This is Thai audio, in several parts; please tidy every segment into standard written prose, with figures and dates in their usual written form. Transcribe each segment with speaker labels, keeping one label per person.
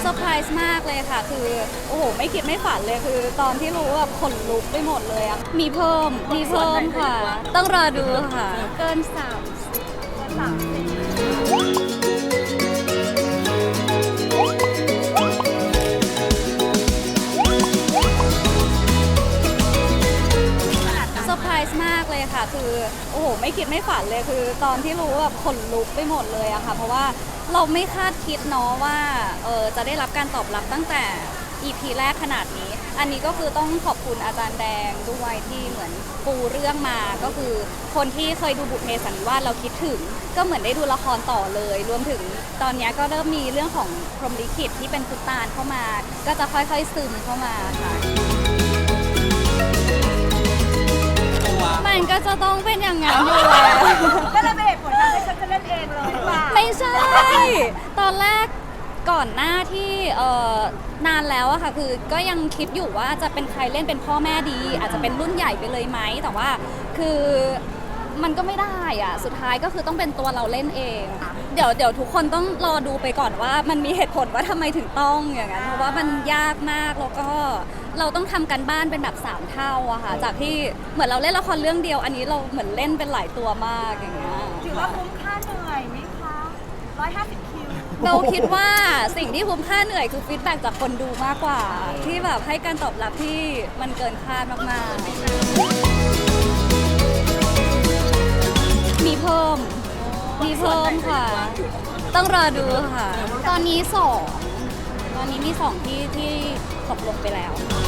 Speaker 1: เซอร์ไพรส์มากเลยค่ะคือโอ้โหไม่คิดไม่ฝันเลยคือตอนที่รู้แบบขนลุกไปหมดเลยอะมีเพิ่มค่ะ ต้องรอดูค่ะเกินเซอร์ไพรส์มากเลยค่ะคือโอ้โหไม่คิดไม่ฝันเลยคือตอนที่รู้แบบขนลุกไปหมดเลยอะค่ะเพราะว่าเราไม่คาดคิดเนาะว่าจะได้รับการตอบรับตั้งแต่ EP แรกขนาดนี้อันนี้ก็คือต้องขอบคุณอาจารย์แดงด้วยที่เหมือนปูเรื่องมาก็คือคนที่เคยดูบุพเพสันนิวาสเราคิดถึงก็เหมือนได้ดูละครต่อเลยรวมถึงตอนนี้ก็เริ่มมีเรื่องของพรหมลิขิตที่เป็นพุตตานเข้ามาก็จะค่อยๆซึมเข้ามาค่ะมันก็จะต้องเป็นอย่างนั้นอยู่แล้ว
Speaker 2: ก็เลยเป็นเหตุผลทำให้ฉันจะเล่นเองเลยหรือเปล่า
Speaker 1: ไม่ใช่ ตอนแรกก่อนหน้าที่นานแล้วอะค่ะคือก็ยังคิดอยู่ว่าจะเป็นใครเล่นเป็นพ่อแม่ดี อาจจะเป็นรุ่นใหญ่ไปเลยไหมแต่ว่าคือมันก็ไม่ได้อะสุดท้ายก็คือต้องเป็นตัวเราเล่นเอง เดี๋ยวทุกคนต้องรอดูไปก่อนว่ามันมีเหตุผลว่าทำไมถึงต้องอย่างนั้นเพราะว่ามันยากมากแล้วก็เราต้องทำกันบ้านเป็นแบบ3เท่าอะค่ะจากที่เหมือนเราเล่นละครเรื่องเดียวอันนี้เราเหมือนเล่นเป็นหลายตัวมากอย่างเงี้ย
Speaker 2: ถือว่าคุ้มค่าเหนื่อยไหมคะ150 คิว
Speaker 1: เราคิดว่าสิ่งที่คุ้มค่าเหนื่อยคือฟีดแบ็กจากคนดูมากกว่า ที่แบบให้การตอบรับที่มันเกินคาดมากๆมีเพิ่มค่ะ ต้องรอดูค่ะ ตอนนี้มีสองที่ตกลงไปแล้ว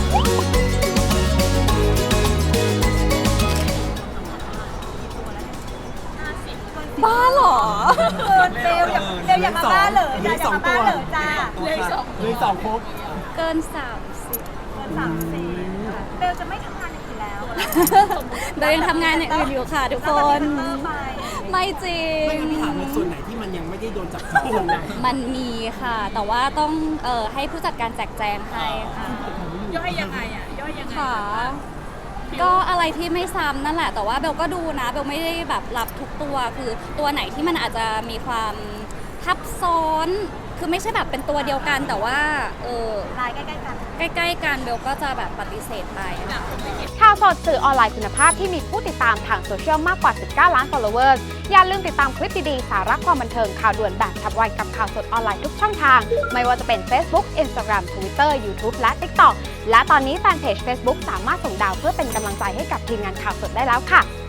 Speaker 1: บ้าเหรอ
Speaker 2: เร็วอย่ามาบ้าเหรอจ้าอย่ามาบ้าเหรอจ้า
Speaker 3: เลยสองครบ
Speaker 1: เกิน 30
Speaker 2: เกิน30เบลจะไม่ทำงานอย่างอื่นแล้ว
Speaker 1: เดี๋ยวยังทำงานอย่างอื่นอยู่ค่ะทุกคน ไม่จริง
Speaker 3: ไม่งั้นพี่ถามในส่วนไหนที่มันยังไม่ได้โดนจับจ้องนะ
Speaker 1: มันมีค่ะ แต่ว่าต้องให้ผู้จัดการแจกแจงให้ค่ะ
Speaker 2: ย่อยยังไงอ่ะย่อยยังไง
Speaker 1: ค่ะ ก็อะไรที่ไม่ซ้ำนั่นแหละ แต่ว่าเบลก็ดูนะเบลไม่ได้แบบรับทุกตัวคือตัวไหนที่มันอาจจะมีความทับซ้อนคือไม่ใช่แบบเป็นตัวเดียวกันแต่ว่า
Speaker 2: ลายใกล้ๆกัน
Speaker 1: ใกล้ๆกันเบลก็จะแบบปฏิเสธไป
Speaker 4: ข่าวสดสื่อออนไลน์คุณภาพที่มีผู้ติดตามทางโซเชียลมากกว่า 19 ล้าน followers อย่าลืมติดตามคลิปดีๆ สาระความบันเทิงข่าวด่วนแบบฉับไวกับข่าวสดออนไลน์ทุกช่องทาง ไม่ว่าจะเป็น Facebook Instagram Twitter YouTube และ TikTok และตอนนี้แฟนเพจ Facebook สามารถส่งดาวเพื่อเป็นกำลังใจให้กับทีมงานข่าวสดได้แล้วค่ะ